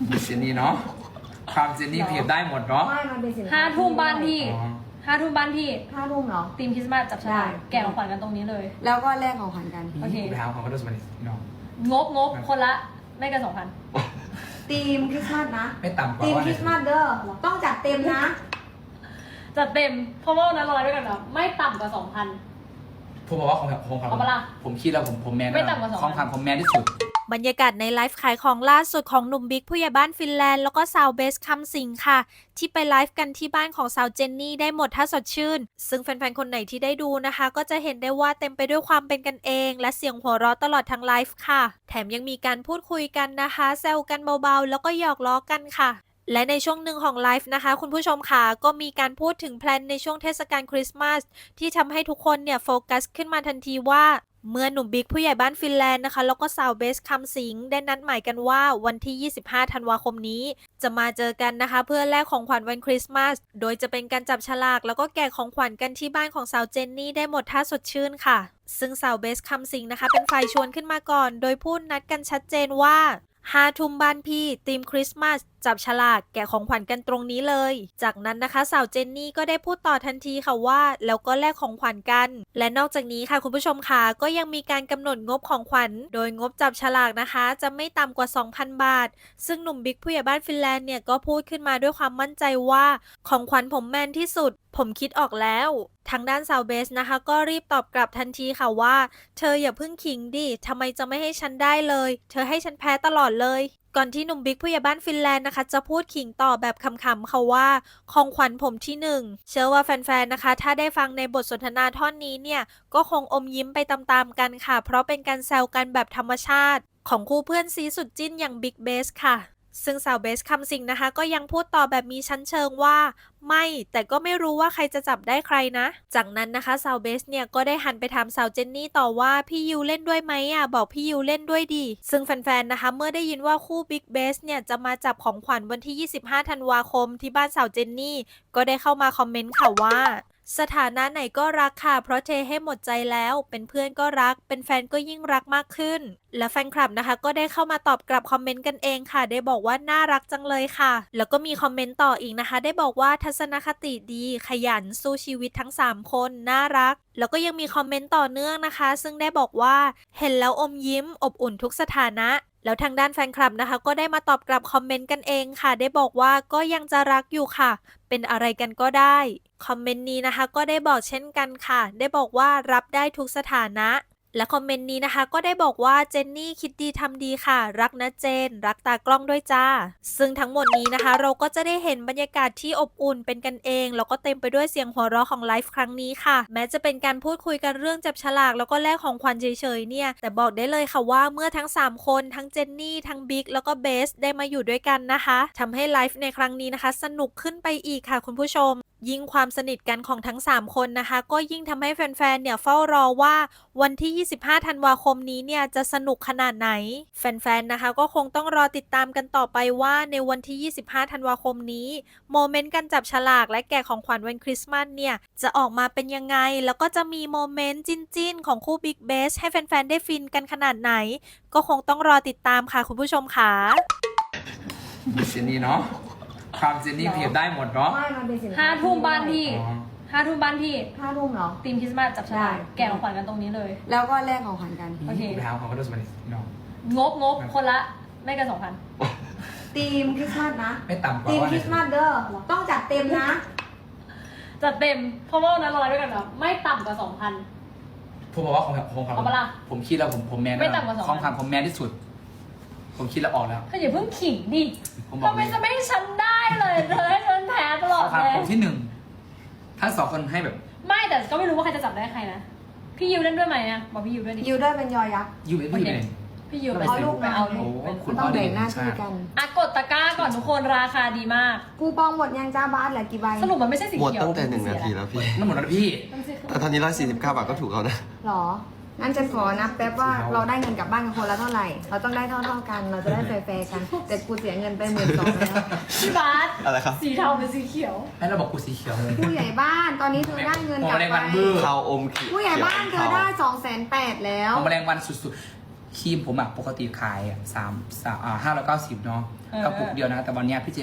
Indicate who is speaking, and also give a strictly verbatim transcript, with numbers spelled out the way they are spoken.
Speaker 1: เจนนี่เนาะความเจนนี่เพียบได้หมดเนาะ
Speaker 2: ไม่มันเป็นสินค้า
Speaker 3: ห้าทุ่มบ้านพี่
Speaker 1: อ๋อ
Speaker 3: ห้าทุ่มบ้านพี่
Speaker 2: ห้าทุ่มเหรอ
Speaker 3: ทีมคริสต์มาสจับฉลาก
Speaker 2: ได้
Speaker 3: แกะของขวัญกันตรงนี้เลย
Speaker 2: แล้วก็แลกของขวัญกัน
Speaker 3: โอเค
Speaker 1: ไปหาของเขาด้วยสมัยนี้น้อง
Speaker 3: งบงบคนละไม่เกินสองพัน
Speaker 2: ทีมคริสต์มาสนะ
Speaker 1: ไม่ต่ำกว่า
Speaker 2: ทีม
Speaker 1: ว่า
Speaker 2: คริสต์มาสเด้อต้องจัดเต็มนะ
Speaker 3: จัดเต็มเพราะว่าวันนั้นเราไลฟ์ด้วยกันนะไม่ต่ำกว่าสองพัน
Speaker 1: ผมบอกว่าของของเขา
Speaker 3: เอาปะล่ะ
Speaker 1: ผมคิดแล้วผมผมแมน
Speaker 3: ไม่ต่ำกว่าสองพัน
Speaker 1: ของขวัญผมแมนที่สุด
Speaker 4: บรรยากาศในไลฟ์ขายของล่าสุดของหนุ่มบิ๊กผู้ใหญ่บ้านฟินแลนด์แล้วก็สาวเบสคำสิงค่ะที่ไปไลฟ์กันที่บ้านของสาวเจนนี่ได้หมดถ้าสดชื่นซึ่งแฟนๆคนไหนที่ได้ดูนะคะก็จะเห็นได้ว่าเต็มไปด้วยความเป็นกันเองและเสียงหัวเราะตลอดทั้งไลฟ์ค่ะแถมยังมีการพูดคุยกันนะคะแซวกันเบาๆแล้วก็หยอกล้อกันค่ะและในช่วงหนึ่งของไลฟ์นะคะคุณผู้ชมค่ะก็มีการพูดถึงแพลนในช่วงเทศกาลคริสต์มาสที่ทำให้ทุกคนเนี่ยโฟกัสขึ้นมาทันทีว่าเมื่อหนุ่มบิ๊กผู้ใหญ่บ้านฟินแลนด์นะคะแล้วก็สาวเบสคำสิงได้นัดหมายกันว่าวันที่ยี่สิบห้าธันวาคมนี้จะมาเจอกันนะคะเพื่อแลกของขวัญวันคริสต์มาสโดยจะเป็นการจับฉลากแล้วก็แกะของขวัญกันที่บ้านของสาวเจนนี่ได้หมดท่าสดชื่นค่ะซึ่งสาวเบสคำสิงนะคะเป็นฝ่ายชวนขึ้นมาก่อนโดยพูดนัดกันชัดเจนว่าห้าทุ่มบ้านพี่ธีมคริสต์มาสจับฉลากแกะของขวัญกันตรงนี้เลยจากนั้นนะคะสาวเจนนี่ก็ได้พูดต่อทันทีค่ะว่าแล้วก็แลกของขวัญกันและนอกจากนี้ค่ะคุณผู้ชมค่ะก็ยังมีการกำหนดงบของขวัญโดยงบจับฉลากนะคะจะไม่ต่ำกว่า สองพัน บาทซึ่งหนุ่มบิ๊กผู้ใหญ่บ้านฟินแลนด์เนี่ยก็พูดขึ้นมาด้วยความมั่นใจว่าของขวัญผมแมนที่สุดผมคิดออกแล้วทางด้านสาวเบสนะคะก็รีบตอบกลับทันทีค่ะว่าเธออย่าเพิ่งขิงดิทำไมจะไม่ให้ฉันได้เลยเธอให้ฉันแพ้ตลอดเลยก่อนที่หนุ่มบิ๊กผู้ใหญ่บ้านฟินแลนด์นะคะจะพูดขิงต่อแบบขำๆค่ะว่าของขวัญผมที่หนึ่งเชื่อว่าแฟนๆนะคะถ้าได้ฟังในบทสนทนาท่อนนี้เนี่ยก็คงอมยิ้มไปตามๆกันค่ะเพราะเป็นการแซวกันแบบธรรมชาติของคู่เพื่อนซีสุดจิ้นอย่างบิ๊กเบสค่ะซึ่งสาวเบสคำสิงนะคะก็ยังพูดต่อแบบมีชั้นเชิงว่าไม่แต่ก็ไม่รู้ว่าใครจะจับได้ใครนะจากนั้นนะคะสาวเบสเนี่ยก็ได้หันไปถามสาวเจนนี่ต่อว่าพี่ยูเล่นด้วยไหมอ่ะบอกพี่ยูเล่นด้วยดิซึ่งแฟนๆนะคะเมื่อได้ยินว่าคู่บิ๊กเบสเนี่ยจะมาจับของขวัญวันที่ยี่สิบห้าธันวาคมที่บ้านสาวเจนนี่ก็ได้เข้ามาคอมเมนต์ค่ะว่าสถานะไหนก็รักค่ะเพราะเทให้หมดใจแล้วเป็นเพื่อนก็รักเป็นแฟนก็ยิ่งรักมากขึ้นและแฟนคลับนะคะก็ได้เข้ามาตอบกลับคอมเมนต์กันเองค่ะได้บอกว่าน่ารักจังเลยค่ะแล้วก็มีคอมเมนต์ต่ออีกนะคะได้บอกว่าทัศนคติดีขยันสู้ชีวิตทั้งสามคนน่ารักแล้วก็ยังมีคอมเมนต์ต่อเนื่องนะคะซึ่งได้บอกว่าเห็นแล้วอมยิ้มอบอุ่นทุกสถานะแล้วทางด้านแฟนคลับนะคะก็ได้มาตอบกลับคอมเมนต์กันเองค่ะได้บอกว่าก็ยังจะรักอยู่ค่ะเป็นอะไรกันก็ได้คอมเมนต์นี้นะคะก็ได้บอกเช่นกันค่ะได้บอกว่ารับได้ทุกสถานะและคอมเมนต์นี้นะคะก็ได้บอกว่าเจนนี่คิดดีทำดีค่ะรักนะเจนรักตากล้องด้วยจ้าซึ่งทั้งหมดนี้นะคะเราก็จะได้เห็นบรรยากาศที่อบอุ่นเป็นกันเองแล้วก็เต็มไปด้วยเสียงหัวเราะของไลฟ์ครั้งนี้ค่ะแม้จะเป็นการพูดคุยกันเรื่องจับฉลากแล้วก็แลกของขวัญเฉยๆเนี่ยแต่บอกได้เลยค่ะว่าเมื่อทั้งสามคนทั้งเจนนี่ทั้งบิ๊กแล้วก็เบสได้มาอยู่ด้วยกันนะคะทำให้ไลฟ์ในครั้งนี้นะคะสนุกขึ้นไปอีกค่ะคุณผู้ชมยิ่งความสนิทกันของทั้งสามคนนะคะก็ยิ่งทำให้แฟนๆเนี่ยเฝ้ารอว่าวันที่ยี่สิบห้าธันวาคมนี้เนี่ยจะสนุกขนาดไหนแฟนๆนะคะก็คงต้องรอติดตามกันต่อไปว่าในวันที่ยี่สิบห้าธันวาคมนี้โมเมนต์การจับฉลากและแกะของขวัญวันคริสต์มาสเนี่ยจะออกมาเป็นยังไงแล้วก็จะมีโมเมนต์จิ้นๆของคู่บิ๊กเบสให้แฟนๆได้ฟินกันขนาดไหนก็คงต้องรอติดตามค่ะคุณผู้ชมค่ะ
Speaker 1: เจนนี่เนาะความเจนนี่เพียบได้หมดเนาะ
Speaker 2: ไม่มันเป็นสินค้า
Speaker 3: ห้าทุ่มบ้านพี่
Speaker 1: อ๋อ
Speaker 3: ห้าทุ่มบ้านพี่
Speaker 2: ห้าทุ่มเหรอ
Speaker 3: ทีมคริสต์มาสจับฉลาก
Speaker 2: ได้
Speaker 3: แกะของขวัญกันตรงนี้เลย
Speaker 2: แล้วก็แลกของขวัญกัน
Speaker 3: โอเค
Speaker 1: ไปหาของเขาด้วยสมัยนี้น้อง
Speaker 3: งบงบคนละไม่เกินสองพัน
Speaker 2: ทีมคริสต์มาสนะ
Speaker 1: ไม่ต่ำกว่า
Speaker 2: ทีม
Speaker 1: ว่า
Speaker 2: คริสต์มาสเด้อต้องจัดเต็มนะ
Speaker 3: จัดเต็มเพราะว่าวันนั้นเราไลฟ์ด้วยกันนะไม่ต่ำกว่าสองพัน
Speaker 1: ผมบอกว่าของของเขา
Speaker 3: เอาปะล่ะ
Speaker 1: ผมคิดแล้วผมผมแมน
Speaker 3: ไม่ต่ำกว่าสองพัน
Speaker 1: ของขวัญผมแมนที่สุด ผมคิดแล้วออกแล้ว
Speaker 3: เธออย่าเพิ่งขิงดิ
Speaker 1: ผมบอก
Speaker 3: ทำไมจะไม่ให้ฉันได้เลยเธอให้ฉันแพ้ตล
Speaker 1: ข
Speaker 3: อ
Speaker 1: อ
Speaker 3: ด
Speaker 1: งขวัญ
Speaker 3: เลย
Speaker 1: ผมที่หนึ่งทั้งสองคนให้แบบ
Speaker 3: ไม่แต่ก็ไม่รู้ว่าใครจะจับได้ใครนะพี่ยูเล่นด้วยไหมอะบอกพี่ยูด้วยดิ
Speaker 2: ยูด้วยเป็นยอยักษ์
Speaker 1: อยู่อยู่ไหน
Speaker 3: พี่ยู
Speaker 2: เอาลูก
Speaker 3: ไป
Speaker 2: มา
Speaker 3: เอาลู
Speaker 1: โอ้
Speaker 3: กเป็น
Speaker 1: คุณ
Speaker 2: ต้องแบ่งหน้าที่กัน
Speaker 3: อ่ะกดตะกร้าก่อนทุกคนราคาดีมาก
Speaker 2: กูปองหมดยังจ้าบาสเหลือกี่ใบ
Speaker 3: สรุปมันไม่ใช่สี
Speaker 5: หมด
Speaker 3: เขียว
Speaker 5: ตั้งแต่หนึ่งนาทีแล้วพี่
Speaker 1: มันหมดแล้วพี่
Speaker 3: มันสี
Speaker 5: แต่ตอนนี้ร้อยสี่สิบเก้าบาทก็ถูกแล้วนะ
Speaker 2: หรอ งั้นจะขอนับแป๊บว่าเราได้เงินกลับบ้านกันคนละเท่าไหร่ เราต้องได้เท่าๆกัน เราจะได้แฟร์ๆกัน แต่กูเสียเงินไปหมื่นสองแล้ว
Speaker 3: พี่บาส
Speaker 5: อะไรครับ
Speaker 3: สีเทาเป็นสีเขียว
Speaker 1: ให้เราบอกกูสีเขียวเลย
Speaker 2: ผู้ใหญ่บ้านตอนนี้เธอได้เงินกลับ
Speaker 1: โอ้แรง
Speaker 2: ไป
Speaker 1: วันบื้อ
Speaker 5: เทาอมเขียว
Speaker 2: ผู้ใหญ่บ้านเธอได้สองแสนแปดแล้ว
Speaker 1: ของแมลงวันสุดครีมผมอะปกติขายอะสามสามอ่าห้าร้อยเก้าสิบเนาะกระปุกเดียวนะแต่วันเนี้ยพี่เจ